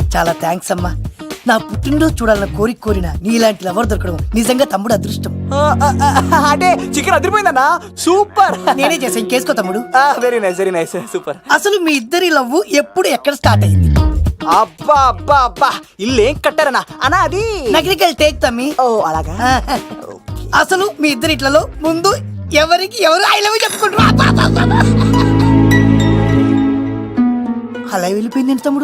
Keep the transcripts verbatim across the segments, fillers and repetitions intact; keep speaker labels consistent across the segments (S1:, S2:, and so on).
S1: చాలా థ్యాంక్స్ అమ్మా. నా పుట్టినరోజు చూడాలన్న కోరిక కోరిన నీలాంటి లవర్ దొరకడం నిజంగా తమ్ముడు అదృష్టం.
S2: అంటే చికెన్ అదిరిపోయిందన్నా, సూపర్.
S1: నేనే చేసా, ఇంకేసుకో తమ్ముడు.
S2: Very nice very nice super.
S1: అసలు మీ ఇద్దరి లవ్ ఎప్పుడు ఎక్కడ స్టార్ట్ అయింది?
S2: అబ్బా అబ్బా అబ్బా, ఇల్లు ఏం కట్టారన్నా అన్నా? అది
S1: నగరికల్ టేక్ తమ్మి.
S2: ఓ అలాగా.
S1: అసలు మీ ఇద్దరి ఇట్లలో ముందు ఎవరికి ఎవరు ఐ లవ్ చెప్పుకుంటారు? అలా వెళ్ళిపోయింది తమ్ముడు.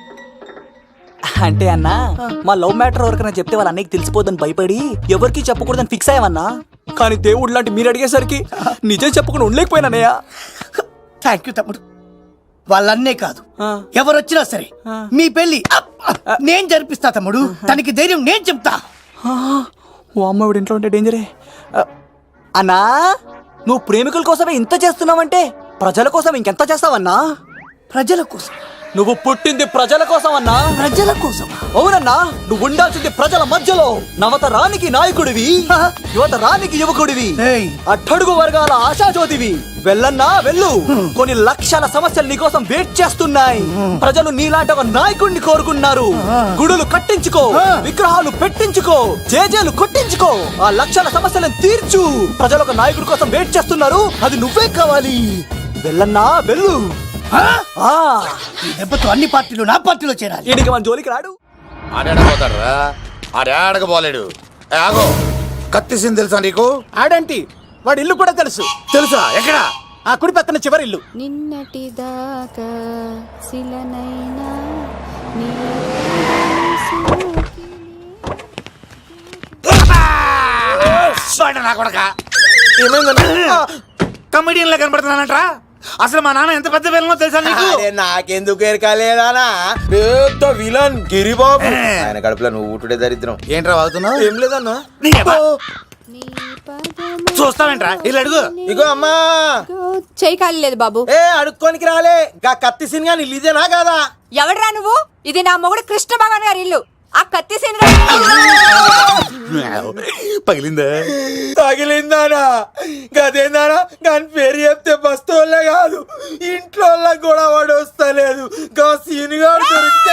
S2: అంటే అన్నా, మా లవ్ మ్యాటర్ ఎవరికైనా చెప్తే వాళ్ళ అన్నయ్యకి తెలిసిపోదని భయపడి ఎవరికి చెప్పకూడదని ఫిక్స్ అయ్యామన్నా. కానీ దేవుడు లాంటి మీరు అడిగేసరికి నిజం చెప్పకుండా ఉండలేకపోయినానయ్య.
S1: థ్యాంక్ యూ తమ్ముడు. వాళ్ళన్నే కాదు, ఎవరు వచ్చినా సరే మీ పెళ్లి నేను జరిపిస్తా తమ్ముడు. తనకి ధైర్యం నేను చెప్తా.
S2: ఓ అమ్మ, వీడి ఇంట్లో ఉంటే డేంజరే. అన్నా, నువ్వు ప్రేమికుల కోసమే ఇంత చేస్తున్నావంటే ప్రజల కోసం ఇంకెంత చేస్తావన్నా?
S1: ప్రజల కోసం.
S2: నువ్వు పుట్టింది ప్రజల కోసం అన్నా.
S1: ప్రజల కోసం?
S2: అవునన్నా, నువ్వు ఉండాల్సింది ప్రజల మధ్యలో. నవతరానికి నాయకుడివి, యువతరానికి యువకుడివి, అట్టడుగు వర్గాల ఆశాజ్యోతివి. వెళ్ళన్నా వెళ్ళు, కొన్ని లక్షల సమస్యలు నీకోసం వెయిట్ చేస్తున్నాయి. ప్రజలు నీలాంటి ఒక నాయకుడిని కోరుకున్నారు. గుడులు కట్టించుకో, విగ్రహాలు పెట్టించుకో, జేజేలు కొట్టించుకో, ఆ లక్షల సమస్యలను తీర్చు. ప్రజలు ఒక నాయకుడి కోసం వెయిట్ చేస్తున్నారు, అది నువ్వే కావాలి. వెళ్ళన్నా వెళ్ళు.
S1: ఈ దెబ్బతో అన్ని పార్టీలు నా పార్టీలో చేరాలి.
S2: ఈయనకి మన జోలికి రాడు.
S3: ఆడపోతారా? ఆడకపోలేడు. ఆగో, కత్తిసింది తెలుసా నీకు?
S4: ఆడంటి వాడి ఇల్లు కూడా తెలుసు.
S3: తెలుసా? ఎక్కడ?
S4: ఆ కుడి పక్కన చివరి ఇల్లు.
S5: నిన్నటి దాకా శిలనైనా
S3: నా కొడక కమెడియన్ లా కనబడుతున్నానంట్రా. అసలు మా నాన్న ఎంత పెద్ద విలనో తెలుసా నీకు?
S6: నాకెందుకు ఎరకాలేదానా, పెద్ద విలన్ గిరిబాబు. ఆయన కడుపులో నువ్వు ఊటుడే దరిద్రం.
S3: ఏంట్రా వాగుతున్నావు?
S6: ఏం లేదన్నా.
S3: చూస్తావేంట్రా? ఇల్లు అడుగు.
S6: ఇగో అమ్మా,
S5: చెయ్యి ఖాళీ లేదు బాబు.
S6: ఏ అడుక్కోనికి రాలే. గా కత్తి సినిమా ఇల్లు ఇదేనా కాదా?
S5: ఎవడరా నువ్వు? ఇది నా మొగుడు కృష్ణ భగవాన్ గారి ఇల్లు. ఆ కత్తి సీన్
S3: పగిలిందా?
S6: తగిలిందానా? గదేందానా? దాని పేరు చెప్తే బస్తోళ్ళే కాదు, ఇంట్లో కూడా వాడు వస్తలేదు. గా సీనుగాడు దొరికితే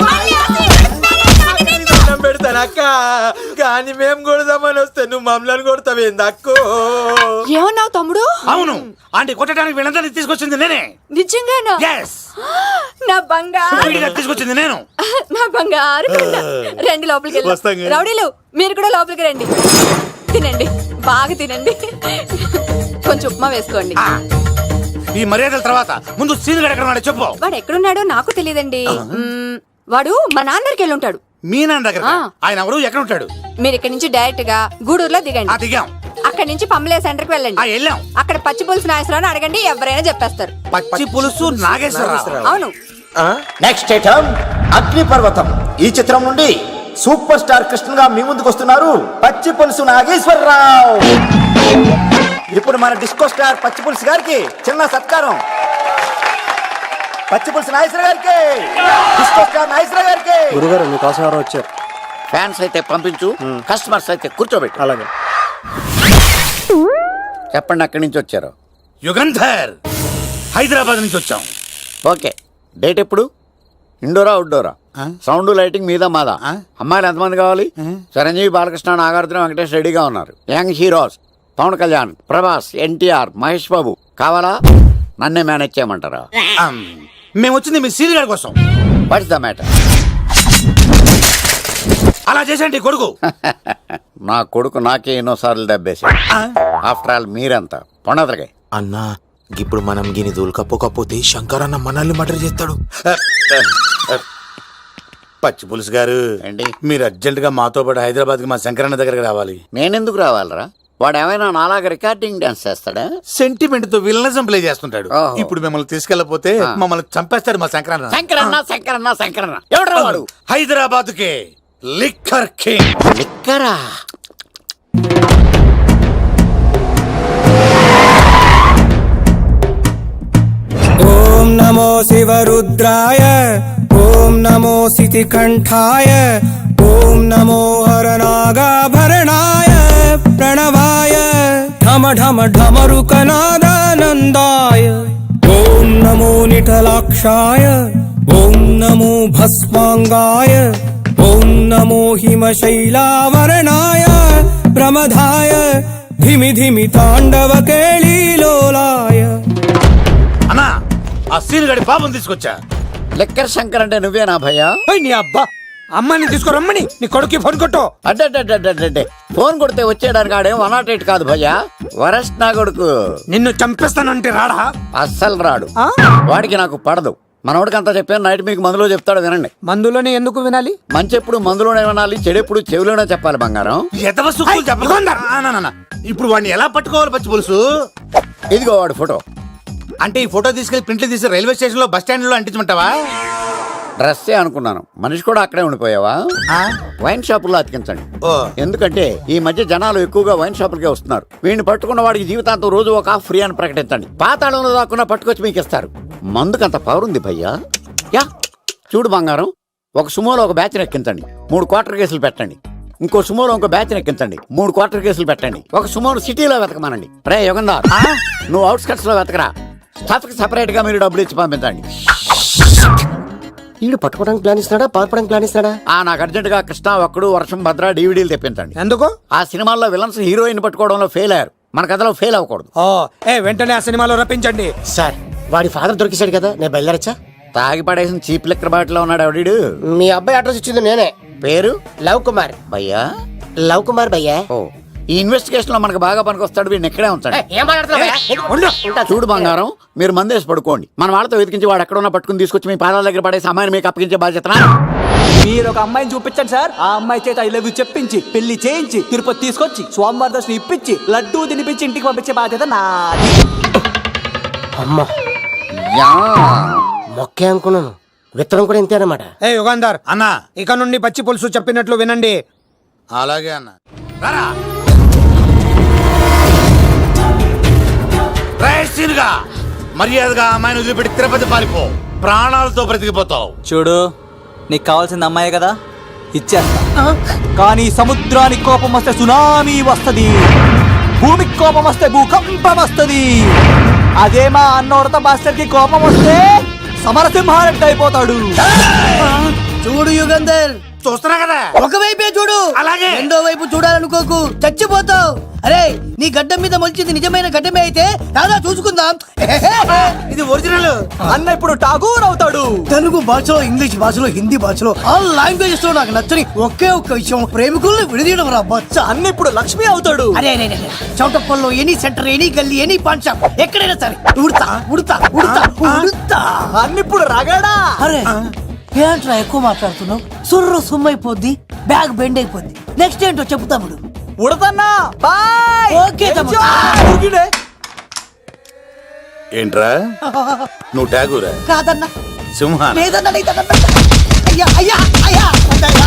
S6: పెడతాను అక్క. కానీ మేము కొడదామని వస్తే నువ్వు మమ్మల్ని కొడతావేంది అక్కో?
S5: ఏమన్నావు తమ్ముడు?
S3: అవును, అంటే కొట్టడానికి వీళ్ళందరినీ తీసుకొచ్చింది నేనే.
S5: నిజంగానా? నా బంగారు
S3: తీసుకొచ్చింది నేను.
S5: నా బంగారు రండి లోపలికి వెళ్ళి. రౌడీలు మీరు కూడా లోపలికి రండి. తినండి, బాగా తినండి. కొంచెం ఉప్మా వేసుకోండి.
S3: ఈ మర్యాదల తర్వాత ముందు సీన్ ఎక్కడ చెప్పు.
S5: వాడు ఎక్కడున్నాడో నాకు తెలియదండి. వాడు మా నాన్నకి వెళ్ళి ఉంటాడు.
S3: మీ నాన్న దగ్గర? ఆయన ఎవరు, ఎక్కడ ఉంటాడు?
S5: మీరు ఇక్కడ నుంచి డైరెక్ట్ గా గూడూరులో దిగండి.
S3: దిగాం.
S5: అక్కడ నుంచి పంబలే సెంటర్ కి వెళ్ళండి.
S3: వెళ్ళాం.
S5: అక్కడ పచ్చి పులుసు నాగేశ్వరరావు అడగండి, ఎవరైనా చెప్పేస్తారు.
S3: పచ్చి పులుసు నాగేశ్వరరావు?
S5: అవును.
S7: నెక్స్ట్ ఐటమ్ అగ్ని పర్వతం. ఈ చిత్రం నుండి సూపర్ స్టార్ కృష్ణగా మీ ముందుకు వస్తున్నారు పచ్చి పులుసు నాగేశ్వరరావు. ఇప్పుడు మన డిస్కో స్టార్ పచ్చి పులుసు గారికి చిన్న సత్కారం. పచ్చి పులుసు నాగేశ్వర గారికి, డిస్కో స్టార్ నాగేశ్వర గారికి.
S4: గురుగారు మీకోసం ఎవరో వచ్చారు.
S7: ఫ్యాన్స్ అయితే పంపించు, కస్టమర్స్ అయితే కూర్చోబెట్టు.
S4: అలాగే.
S7: చెప్పండి, అక్కడి నుంచి వచ్చారు?
S3: యుగంధర్, హైదరాబాద్ నుంచి వచ్చాం.
S7: ఓకే, డేట్ ఎప్పుడు? ఇండోరా అవుట్డోరా? సౌండ్ లైటింగ్ మీద మాదా? అమ్మాయిలు ఎంతమంది కావాలి? చిరంజీవి, బాలకృష్ణ, నాగార్జున, వెంకటేష్ రెడీగా ఉన్నారు. Young heroes Pawan Kalyan, Prabhas, NTR, Mahesh Babu కావాలా? నన్నే మేనేజ్ చేయమంటారా?
S3: మేము వచ్చింది మీ సీరియల్ గారి కోసం.
S7: What's the matter?
S3: అలా చేసేంటి కొడుకు?
S7: నా కొడుకు నాకే ఎన్నోసార్లు దెబ్బేసి. ఆఫ్టర్ ఆల్ మీరంతా పొండదరగా.
S6: అన్నా, ఇప్పుడు మనం గిని దూల్కపోకపోతే శంకర్ అన్న మనల్ని మర్డర్ చేస్తాడు.
S3: పచ్చి పులుసు గారు
S7: ఏంటి?
S3: మీరు అర్జెంట్ గా మాతో పాటు హైదరాబాద్ కి మా శంకరన్న దగ్గరకు రావాలి.
S7: నేనెందుకు రావాలరా? వాడు ఏమైనా నాలాగా రికార్డింగ్ డాన్స్ చేస్తాడా?
S3: సెంటిమెంట్ తో విలనిజం ప్లే చేస్తుంటాడు.
S7: ఓహో.
S3: ఇప్పుడు మిమ్మల్ని తీసుకెళ్లపోతే మమ్మల్ని చంపేస్తాడు మా శంకరన్న.
S7: శంకరన్న శంకరన్న శంకరన్న ఎవడరా వాడు?
S3: హైదరాబాద్ కే లిక్కర్ కింగ్.
S7: లిక్కరా?
S8: ఓం నమో శివరుద్రాయ, ఓం నమో సితికంఠాయ, ఓం నమో హరనాగాభరణాయ ప్రణవాయ, ఢమ ఢమ ఢమరుకనాదానందాయ, ఓం నమో నిఠలాక్షాయ, ఓం నమో భస్మాంగాయ ఓం నమో హిమశైలావరణాయ ప్రమదాయ ధిమి ధిమి తాండవ కేళీలోలాయ.
S3: అన్నా ఆ సీన్ గడి పాపం తీసుకొచ్చా.
S7: లెక్కర్ శంకర్ అంటే నువ్వేనా భయ్యా?
S4: ఓయ్ నీ అబ్బా, అమ్మని తీసుకురమ్మని నీ కొడుకు ఫోన్ కొట్టు.
S7: అడ్డే ఫోన్ కొడితే వచ్చేయడానికి ఆడేం వన్ నాట్ ఎయిట్ కాదు భయ్యా, వరస్ట్ నా కొడుకు.
S4: నిన్ను చంపేస్తానంటే రాడా?
S7: అస్సలు రాడు, వాడికి నాకు పడదు. మనోడికి అంతా చెప్పాను, నైట్ మీకు మందులో చెప్తాడు వినండి.
S4: మందులోనే ఎందుకు వినాలి?
S7: మంచి ఎప్పుడు మందులోనే వినాలి, చెడెప్పుడు చెవిలోనే చెప్పాలి బంగారం.
S3: ఎదవ సుక్కులు చెప్పకుండా. ఆ, నా, నా, నా. ఇప్పుడు వాడిని ఎలా పట్టుకోవాలి పచ్చి పులుసు?
S7: ఇదిగో వాడు ఫోటో.
S3: అంటే ఈ ఫోటో తీసుకెళ్లి ప్రింట్లు తీసి రైల్వే స్టేషన్ లో బస్ స్టాండ్ లో అంటించమంటావా?
S7: డ్రెస్సే అనుకున్నాను, మనిషి కూడా అక్కడే ఉండిపోయావా? వైన్ షాపుల్లో అతికించండి.
S3: ఓ.
S7: ఎందుకంటే ఈ మధ్య జనాలు ఎక్కువగా వైన్ షాపులకే వస్తున్నారు. వీడిని పట్టుకున్న వాడికి జీవితాంతం రోజు ఒక ఆఫ్ ఫ్రీ అని ప్రకటించండి. పాతాళంలో దాక్కున్నా పట్టుకొచ్చి మీకు ఇస్తారు. మందుకంత పవర్ ఉంది భయ్యా. యా చూడు బంగారం, ఒక సుమోలో ఒక బ్యాచ్ ఎక్కించండి, మూడు క్వార్టర్ కేసులు పెట్టండి. ఇంకో సుమోలో ఇంకో బ్యాచ్ ఎక్కించండి, మూడు క్వార్టర్ కేసులు పెట్టండి. ఒక సుమోను సిటీలో వెతకమానండి. రే యుగంధర్, నువ్వు అవుట్స్కట్స్ లో వెతకరా. స్టాఫ్ కి సెపరేట్ గా మీరు డబ్బులు ఇచ్చి పంపించండి.
S9: వీడు పట్టుకోవడానికి ప్లాన్ ఇస్తున్నాడా, పారిపోవడానికి ప్లాన్ ఇస్తున్నాడా?
S7: ఆ నాకు అర్జెంట్ గా కృష్ణ, ఒక్కడు, వర్షం, భద్ర డీవీడీలు తెప్పించండి.
S4: ఎందుకు?
S7: ఆ సినిమాల్లో విలన్స్ హీరోయిన్ పట్టుకోవడంలో ఫెయిల్ అయ్యారు, మన కథలో ఫెయిల్ అవ్వకూడదు.
S4: ఓ ఏ వెంటనే ఆ సినిమాలో రప్పించండి.
S9: సార్ వాడి ఫాదర్ దొరికేశాడు కదా, నేను బయలుదేరచ్చా?
S7: తాగి పడేసిన చీప్ లిక్కర్ బాటిలో ఉన్నాడు ఎవడీడు.
S9: మీ అబ్బాయి అడ్రస్ ఇచ్చింది నేనే.
S7: పేరు
S9: లవ్ కుమార్.
S7: భయ్యా?
S9: లవ్ కుమార్ భయ్యా.
S7: ఓ ఈ ఇన్వెస్టిగేషన్ లో మనకు బాగా పనికొస్తాడు, వీడిని ఎక్కడే ఉంచండి.
S9: ఏం మాట్లాడుతున్నావు?
S7: చూడు బంగారం, మీరు మందేసి పడుకోండి. మన వాళ్ళతో వెతికించి వాడు ఎక్కడ ఉన్నా పట్టుకుని తీసుకొచ్చి మీ పాదాల దగ్గర పడేసి అమ్మాయిని మీకు అప్పగించే బాధ్యత.
S2: మీరు ఒక అమ్మాయిని చూపించండి సార్. ఆ అమ్మాయి చేత ఐ లవ్ యూ చెప్పించి పెళ్లి చేయించి తిరుపతి తీసుకొచ్చి స్వామివారి దర్శనం ఇప్పించి లడ్డూ తినిపించి ఇంటికి పంపించే బాధ్యత నాది.
S9: అమ్మా
S7: యా
S9: మొక్కే అనుకున్నాను, విత్తనం కూడా ఇంతే అన్నమాట.
S4: ఏ యుగంధర్
S3: అన్నా
S4: ఇక నుండి పచ్చి పులుసు చెప్పినట్లు వినండి.
S3: అలాగే అన్న. రారా రైట్ సీన్గా మర్యాదగా అమ్మాయిని వదిలిపెట్టి తిరుపతి పారిపో, ప్రాణాలతో బ్రతికిపోతావు.
S2: చూడు, నీకు కావాల్సింది అమ్మాయి కదా, ఇచ్చేస్తా. కానీ సముద్రానికి కోపం వస్తే సునామీ వస్తది, భూమికి కోపం వస్తే భూకంపం వస్తది. అదే మా అన్నోడత మాస్టర్ కి కోపం వస్తే సమరసింహారెడ్డి అయిపోతాడు.
S1: చూడు యుగంధర్,
S3: చూస్తున్నా కదా.
S1: ఒకవైపే చూడు,
S3: అలాగే.
S1: రెండో వైపు చూడాలనుకోకు, చచ్చిపోతావు. అరే నీ గడ్డం మీద మొలిచింది నిజమైన గడ్డమే అయితే రాదా చూసుకుందాం.
S3: ఇది ఒరిజినల్.
S2: అన్న ఇప్పుడు ఠాగూర్ అవుతాడు.
S1: తెలుగు భాషలో, ఇంగ్లీష్ భాషలో, హిందీ భాషలో, ఆల్ లాంగ్వేజెస్ లో నాకు నచ్చని ఒకే ఒక్క విషయం, ప్రేమికుల్ని విడదీయడం రా బచ్చ.
S2: అన్న ఇప్పుడు లక్ష్మి అవుతాడు.
S1: అరే అరే అరే, చౌటప్పల్లో any centre, any gully, any paan shop, ఎక్కడైనా సరే ఉడతా ఉడతా ఉడతా ఉడతా.
S2: అన్న ఇప్పుడు రగడా.
S1: అరే ఏంట్రా ఎక్కువ మాట్లాడుతున్నావు? సుర్రు సుమ్మైపోద్ది, బ్యాగ్ బెండ్ అయిపోద్ది. నెక్స్ట్ ఏంటో చెప్పు తమ్ముడు.
S2: ఉడతన్నా బాయ్.
S1: ఓకే తమ్ముడు.
S2: ఉరికిడే.
S3: ఏంట్రా నువ్వు ఠాగూరా?
S1: కాదన్నా,
S3: సింహ
S1: లేదన్నా, లేదన్నా. అయ్యా అయ్యా అయ్యా అయ్యా.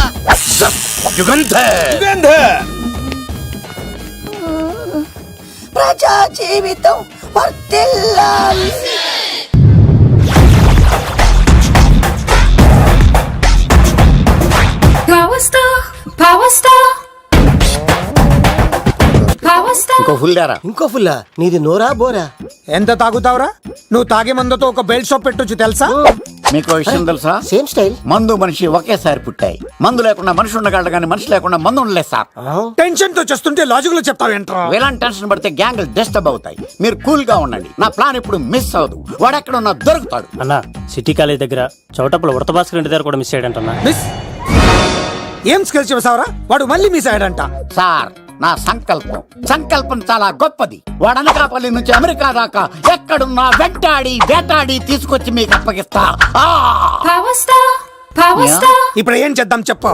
S3: యుగంధర్.
S1: ప్రజా జీవితం వర్ధిల్లాలి.
S5: Power star, power star, power star.
S7: ఇంకో ఫుల్ దారా.
S9: ఇంకో ఫుల్లా? నీది నోరా బోరా?
S4: ఎంత తాగుతావురా? నువ్వు తాగే మందుతో ఒక బెల్ట్ షాప్ పెట్టొచ్చు తెలుసా?
S7: మీకు ఓ విషయం తెలుసా?
S9: Same style.
S7: మందు మనిషి ఒకేసారి పుట్టాయి. మందు లేకుండా మనిషి ఉండగలడు కానీ మనిషి లేకుండా మందు ఉండలేదు సార్.
S4: టెన్షన్ తో చేస్తుంటే లాజిక్ లో చెప్తావేంట్రా?
S7: ఎలాంటి టెన్షన్ పడితే గ్యాంగ్లు డిస్టర్బ్ అవుతాయి. మీరు కూల్ గా ఉండండి, నా ప్లాన్ ఇప్పుడు మిస్ అవ్వదు. వాడు ఎక్కడ ఉన్నా దొరుకుతాడు.
S10: అన్నా సిటీ కాలేజ్ దగ్గర చౌటప్పుల ఉడత భాస్కర్ ఇంటి దగ్గర కూడా మిస్ అయ్యాడంటన్నా.
S4: మిస్ ఏం స్కిల్స్ చేసావురా? వాడు మళ్ళీ మిస్ అయ్యాడంట.
S7: సార్ నా సంకల్పం సంకల్పం చాలా గొప్పది. వాడు అనకాపల్లి నుంచి అమెరికా దాకా ఎక్కడున్నా వెంటాడి వేటాడి తీసుకొచ్చి మీకు అప్పగిస్తా. ఆ!
S5: Power star, power
S7: Yeah.
S5: star.
S4: ఇప్పుడు ఏం చేద్దాం చెప్పు.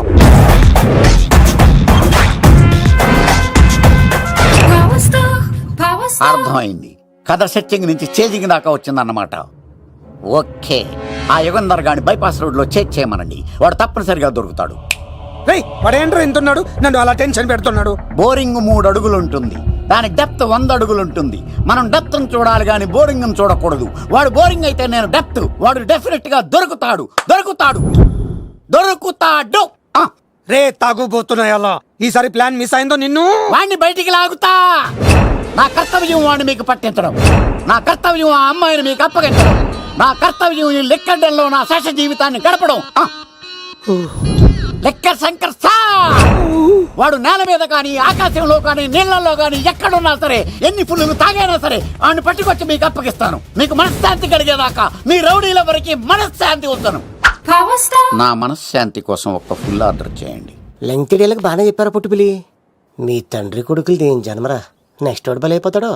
S5: Power star, power star.
S7: అర్థమైంది. కథ సెట్టింగ్ నుంచి చేజింగ్ దాకా వచ్చిందన్నమాట. ఓకే, ఆ యుగంధర్ గాని బైపాస్ రోడ్ లో చేజ్ చేయమనండి, వాడు తప్పనిసరిగా దొరుకుతాడు.
S4: రేయ్ వాడేంట్రా ఇంతున్నాడు, నన్ను అలా టెన్షన్ పెడుతున్నాడు.
S7: బోరింగ్ మూడు అడుగులు ఉంటుంది, దాని డెప్త్ వంద అడుగులు ఉంటుంది. మనం డెప్త్ చూడాలి కానీ బోరింగ్ చూడకూడదు. వాడు బోరింగ్ అయితే నేను డెప్త్. వాడు డెఫినెట్ గా దొరుకుతాడు దొరుకుతాడు దొరుకుతాడు. ఆ,
S4: రే తాగుబోతున్నాయి అలా. ఈసారి ప్లాన్ మిస్ అయిందో నిన్ను
S7: వాడిని బయటికి లాగుతా. నా కర్తవ్యం వాడిని మీకు పట్టించడం, నా కర్తవ్యం ఆ అమ్మాయిని మీకు అప్పగించడం. నా కర్తవ్యం ఈ లెక్కడంలో నా శేష జీవితాన్ని గడపడం. ఆ. లెక్క శంకర్ సార్ వాడు నేల మీద కానీ ఆకాశంలో కానీ నీళ్లలో కానీ ఎక్కడున్నా సరే ఎన్ని ఫుల్లు తాగైనా సరే వాడిని పట్టుకొచ్చి మీకు అప్పగిస్తాను. మీకు మనశ్శాంతి కలిగేదాకా మీ రౌడీల వరకు మనశ్శాంతి వస్తాను. నా మనశ్శాంతి కోసం ఒక్క ఫుల్ ఆర్డర్ చేయండి.
S9: లెంగ్త్ డీలకు బాగానే చెప్పారా పుట్టుపిలి. మీ తండ్రి కొడుకులు దేని జన్మరా, నెక్స్ట్ వాడు బలైపోతాడో.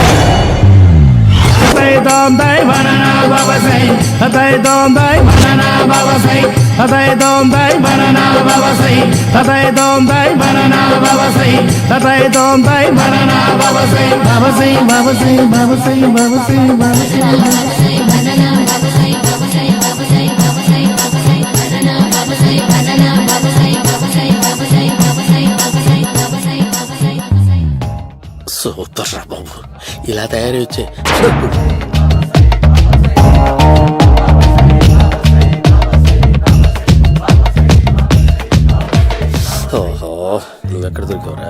S6: సూపర్ రా బాబు, ఇలా తయారీ వచ్చే. ఓహో, నువ్వెక్కడ దొరికావురా?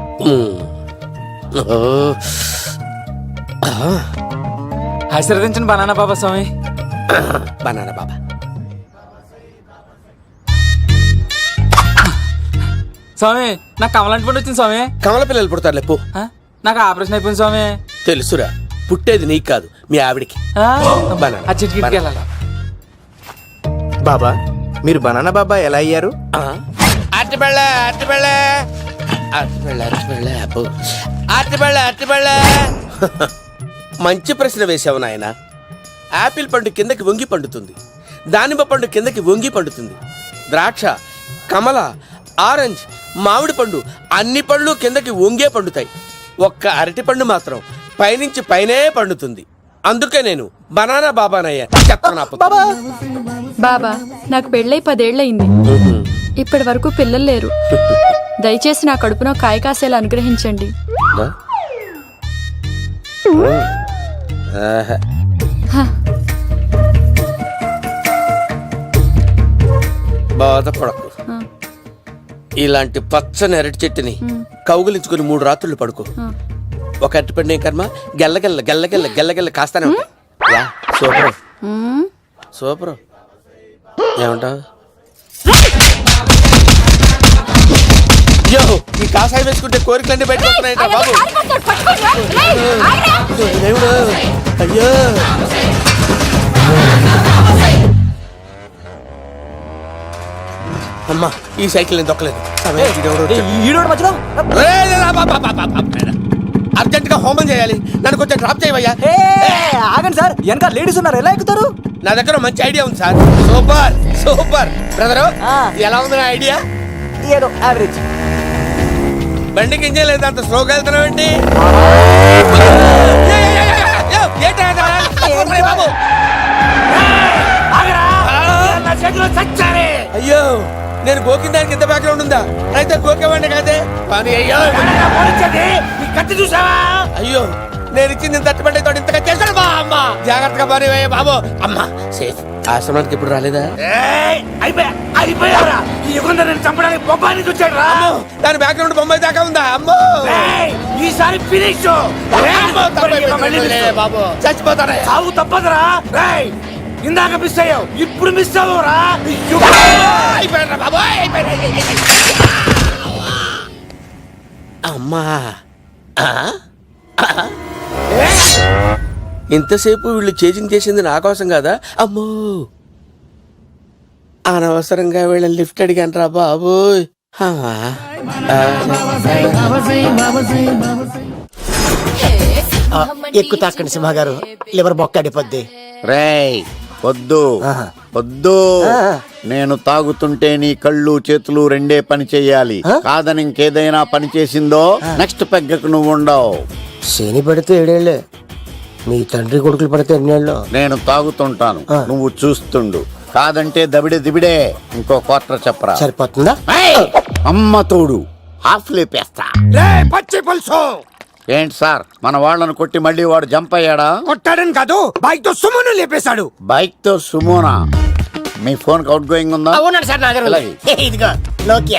S2: ఆశీర్వదించండి బనానా బాబా స్వామి.
S6: బనానా బాబా.
S2: స్వామి నాకు కమలాంటి పండు వచ్చింది స్వామి.
S6: కమల పిల్లలు పుడతారు లేపు.
S2: ఆ? నాకు ఆపరేషన్ అయిపోయింది స్వామి.
S6: తెలుసురా, పుట్టేది నీకు కాదు మీ ఆవిడికి.
S2: ఆ?
S6: బనానా.
S2: ఆ చిటికిటికి వెళ్ళాలా?
S6: బాబా మీరు బనానా బాబా ఎలా అయ్యారు? అట్టిబళ్ళ అట్టిబళ్ళ అట్టిబళ్ళ అట్టిబళ్ళ అబ్బో అట్టిబళ్ళ అట్టిబళ్ళ. మంచి ప్రశ్న వేసావు నాయన. యాపిల్ పండు కిందకి వంగి పండుతుంది, దానిమ్మ పండు కిందకి వంగి పండుతుంది, ద్రాక్ష, కమల, ఆరెంజ్, మామిడి పండు అన్ని పళ్ళు కిందకి వంగే పండుతాయి. ఒక్క అరటి పండు మాత్రం పైనుంచి పైనే పండుతుంది. అందుకే నేను బనానా బాబానయ్యా.
S5: బాబా నాకు పెళ్ళై పదేళ్లయింది. ఇప్పటి వరకు పిల్లలు లేరు. దయచేసి నా కడుపున కాయ కాసేలా అనుగ్రహించండి.
S6: బాధపడకు. ఇలాంటి పచ్చని అరటి చెట్టుని కౌగులించుకుని మూడు రాత్రులు పడుకో. ఒక అరటి పండు ఏం కర్మ, గెల్లగెల్ల గెల్లగెల్ల గెల్లగెల్ల కాస్తానే ఉంటాయి. Yeah, super super. ఏమంటావు? అయ్యో, ఈ కాసాయి వేసుకుంటే కోరికలన్నీ బయటకు వస్తున్నాయంట బాబు. దేవుడు, అయ్యో అమ్మా, ఈ సైకిల్ నేను దొక్కలేదు. అర్జెంట్ గా హోమం చేయాలి, నన్ను కొంచెం డ్రాప్ చేయవయ్యా.
S2: ఆగండి సార్, వెనక లేడీస్ ఉన్నారు, ఎలా ఎక్కుతారు?
S6: నా దగ్గర మంచి ఐడియా ఉంది సార్. Super super. బ్రదరు ఎలా ఉంది నా ఐడియా?
S2: ఏదో యావరేజ్.
S6: బండికి ఇంజన్ లేదు, అంత స్లోగా వెళ్తున్నావు ఏంటి? అయ్యో, నేను గోకిన దానికి ఇంత బ్యాక్గ్రౌండ్ ఉందా? అయితే గోకేవాడిని కాదే. కానీ అయ్యో కత్తి చూసావా? అయ్యో, నేను ఇచ్చింది తట్టుబడి తోటి ఇంతగా చేశాడు బా అమ్మ. జాగ్రత్తగా పని వేయ బాబు. అమ్మ సేఫ్. ఆశ్రమానికి ఇప్పుడు రాలేదా? దాని బ్యాక్గ్రౌండ్ బొమ్మాయి దాకా ఉందా? అమ్మో, ఈసారి ఫినిష్ బాబు. చచ్చిపోతారా? సాగు తప్పదురా. ఇందాక మిస్ అయ్యావు, ఇప్పుడు మిస్ అవ్వరా? అమ్మా, ఇంతసేపు వీళ్ళు చేజింగ్ చేసింది నా కోసం కదా. అమ్మో, అనవసరంగా వీళ్ళని లిఫ్ట్ అడిగాను రా బాబు.
S9: ఎక్కువ తాకండి సింహ గారు, లివర్ బొక్క అడిపోద్ది.
S7: రేయ్ వద్దు వద్దు, నేను తాగుతుంటే నీ కళ్ళు చేతులు రెండే పని చెయ్యాలి. కాదని ఇంకేదైనా పని చేసిందో నెక్స్ట్ పెగ్గకు నువ్వు ఉండవు.
S9: శని పడితే ఏడేళ్లే, మీ తండ్రి కొడుకులు పడితే ఎన్నేళ్ళు.
S7: నేను తాగుతుంటాను, నువ్వు చూస్తుండు. కాదంటే దబిడే దిబిడే. ఇంకో క్వార్టర్ చెప్పరా?
S9: సరిపోతుందా?
S7: అమ్మ తోడు హాఫ్ లేపేస్తా.
S4: పచ్చి పులుసు.
S7: ఏంటి సార్, మన వాళ్ళను కొట్టి మళ్ళీ వాడు జంప్ అయ్యాడా?
S4: కొట్టాడని కాదు, బైక్ తో సుమను లేపేశాడు.
S7: బైక్ తో సుమోనా? మీ ఫోన్ అవుట్ గోయింగ్ ఉందా?
S9: అవునండి సార్, నా దగ్గర ఇదిగో నోకియా.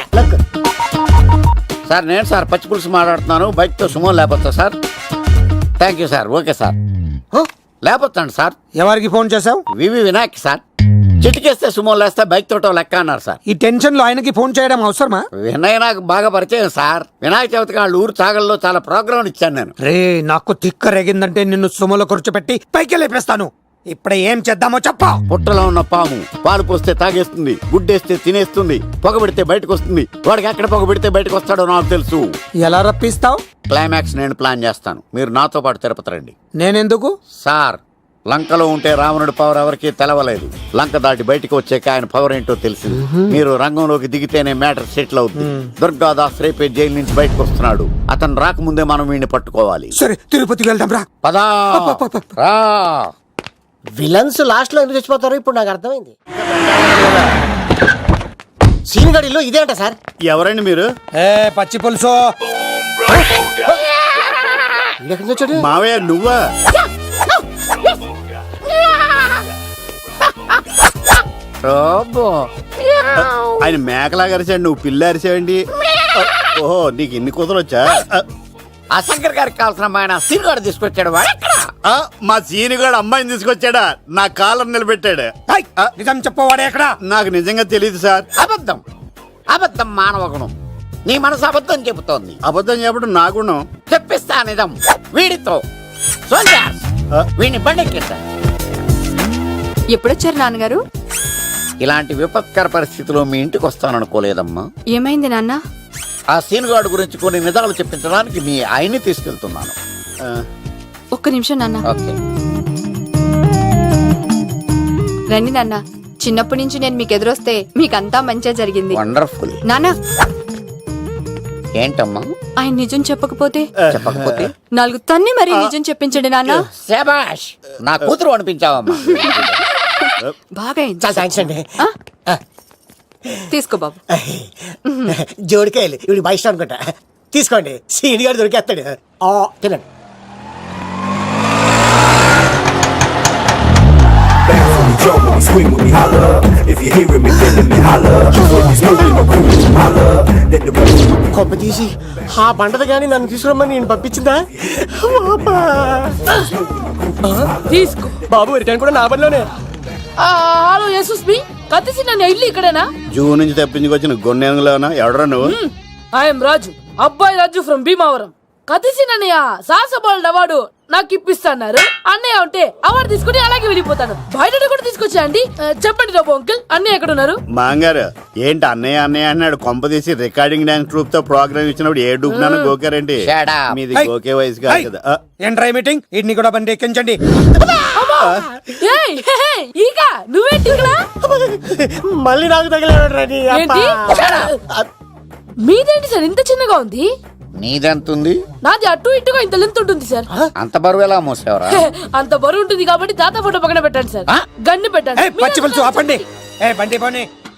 S7: సార్ నేను సార్ పచ్చి పులుసు మాట్లాడుతున్నాను. బైక్ తో సుమో లేకపోతా sir. Thank you sir. Okay sir. లేకపోతాను సార్.
S4: ఎవరికి ఫోన్ చేసావు?
S7: VV Vinayak sir. చిటికేస్తే సుమో లేస్తే బైక్ తోటో లెక్క అన్నారు సార్.
S4: ఈ టెన్షన్ లో ఆయనకి ఫోన్ చేయడం అవసరమా?
S7: వినయ్ నాకు బాగా పరిచయం సార్. వినాయక చవితికి వాళ్ళ ఊరు చాగల్లో చాలా ప్రోగ్రాం ఇచ్చాను నేను.
S4: రే నాకు తిక్క రేగిందంటే నిన్ను సుమలో కూర్చోపెట్టి పైకి లేపేస్తాను. ఇప్పుడే ఏం చేద్దామో చెప్పా.
S7: పుట్టలో ఉన్న పాము పాలు పోస్తే తాగేస్తుంది, గుడ్డేస్తే తినేస్తుంది, పొగ పెడితే బయటకు వస్తుంది. వాడికి ఎక్కడ పొగ పెడితే బయటకు వస్తాడో నాకు తెలుసు.
S4: ఎలా రప్పిస్తావు?
S7: క్లైమాక్స్ నేను ప్లాన్ చేస్తాను. మీరు నాతో పాటు తిరుపతి రండి.
S4: నేనెందుకు?
S7: సార్, లంకలో ఉంటే రావణుడి పవర్ ఎవరికి తెలవలేదు. లంక దాటి బయటికి వచ్చాక ఆయన పవర్ ఏంటో తెలిసింది. మీరు రంగంలోకి దిగితేనే మ్యాటర్ సెటిల్ అవుతుంది. దుర్గాదాస్ రేపే జైలు నుంచి బయటకు వస్తున్నాడు. అతను రాకముందే మనం వీడిని పట్టుకోవాలి.
S4: సరే తిరుపతికి వెళ్దాం రా.
S7: పదా రా.
S9: విలన్స్ లాస్ట్ లో ఎందుకు చచ్చిపోతారో ఇప్పుడు నాకు అర్థమైంది. సీన్ గడిలో ఇదే అంట సార్.
S7: ఎవరండి మీరు?
S4: ఏ పచ్చి పులుసు.
S9: ఎక్కడి నుంచి వచ్చాడు?
S7: మావయ్య నువ్వా? ఆయన మేకలాగా అరిచాడు, నువ్వు పిల్ల అరిచావండి. ఓహో, నీకు ఇన్ని కూతురు వచ్చా? ఆ శంకర్ గారికి కావాల్సిన అమ్మాయి సీనుగాడు తీసుకొచ్చాడు. మా సీనుగాడు అమ్మాయిని తీసుకొచ్చాడా? నా కాలర్ నిలబెట్టాడు.
S4: నిజం చెప్పవాడే ఎక్కడ?
S7: నాకు నిజంగా తెలియదు సార్. అబద్ధం అబద్ధం మానవ గుణం. నీ మనసు అబద్ధం చెబుతోంది. అబద్ధం చెప్పడం నా గుణం. చెప్పిస్తా నిజం వీడితో. వీడిని బండెక్కిస్తా.
S5: ఎప్పుడొచ్చారు నాన్నగారు?
S7: ఇలాంటి విపత్కర పరిస్థితిలో మీ ఇంటికి వస్తాననుకోలేదమ్మా.
S5: ఏమైంది నాన్న?
S7: ఆ సీనుగాడు గురించి కొన్ని నిజాలు చెప్పించడానికి మీ ఆయన్ని తీసుకెళ్తున్నాను.
S5: ఒక్క నిమిషం నాన్న.
S7: ఓకే.
S5: రండి నాన్న. చిన్నప్పటి నుంచి నేను మీకు ఎదురొస్తే మీకంతా మంచిగా జరిగింది.
S7: వండర్ఫుల్.
S5: నాన్న,
S7: ఏంటమ్మా?
S5: ఆయన నిజం చెప్పకపోతే
S7: చెప్పకపోతే
S5: నాలుగు తన్ని మరి నిజం చెప్పించండి నాన్న.
S7: శభాష్, నా కూతురు అనిపించావమ్మా.
S5: బాగా అయింది.
S9: చాలా థ్యాంక్స్ అండి.
S5: ఆ? తీసుకో బాబు.
S9: జోడికాయలు ఇవి బయట ఇష్టం అనుకుంటా. తీసుకోండి, సీని గారు దొరికేస్తాడు. ఆ, తినండి. కొబ్బ తీసి ఆ బండది కానీ నన్ను తీసుకురమ్మని నేను పంపించిందా?
S11: తీసుకో
S9: బాబు రిటర్న్ కూడా నా పనిలోనే.
S11: హలో యేసుస్ మీ కత్తిసి నన్ను ఇల్లు ఇక్కడేనా?
S7: జూ నుంచి తప్పించుకొచ్చిన గొన్నెంగులోనా? ఎవడరా నువ్వు?
S11: ఐఎమ్ రాజు, అబ్బాయి రాజు ఫ్రమ్ భీమావరం. కత్తిసి నన్నయ్య సాసబాల్ అవార్డు నాకు ఇప్పిస్తాన్నారు. అన్నయ్య ఉంటే అవార్డు తీసుకుని అలాగే వెళ్ళిపోతాను. బయట కూడా తీసుకొచ్చా అండి. చెప్పండి రాబు అంకుల్, అన్నయ్య ఎక్కడ ఉన్నారు?
S7: మాంగారు ఏంటి అన్నయ్య అన్నయ్య అన్నాడు? కొంప తీసి రికార్డింగ్ డాన్స్ ట్రూప్ తో ప్రోగ్రామ్ ఇచ్చినప్పుడు ఏ డూబ్నాను గోకారండి? మీది గోకే వయసు కాదు కదా.
S4: ఏంట్రై మీటింగ్? ఇడ్ని కూడా బండి ఎక్కించండి.
S11: ఈక నువ్వేంటి ఇక్కడ?
S9: మళ్ళీ నాకు తగిలాడు.
S11: ఏంటి? మీదేంటి సార్ ఇంత చిన్నగా ఉంది?
S7: నీదెంతుంది?
S11: నాది అటు ఇటుగా ఇంత లెంత్ ఉంటుంది సార్.
S7: అంత బరువు ఎలా మోసేవరా?
S11: అంత బరువు ఉంటుంది కాబట్టి తాత ఫోటో పక్కన పెట్టండి సార్. గన్ను పెట్టండి.
S4: పచ్చి పులుసు ఆపండి. ఏ బండి పోనీ.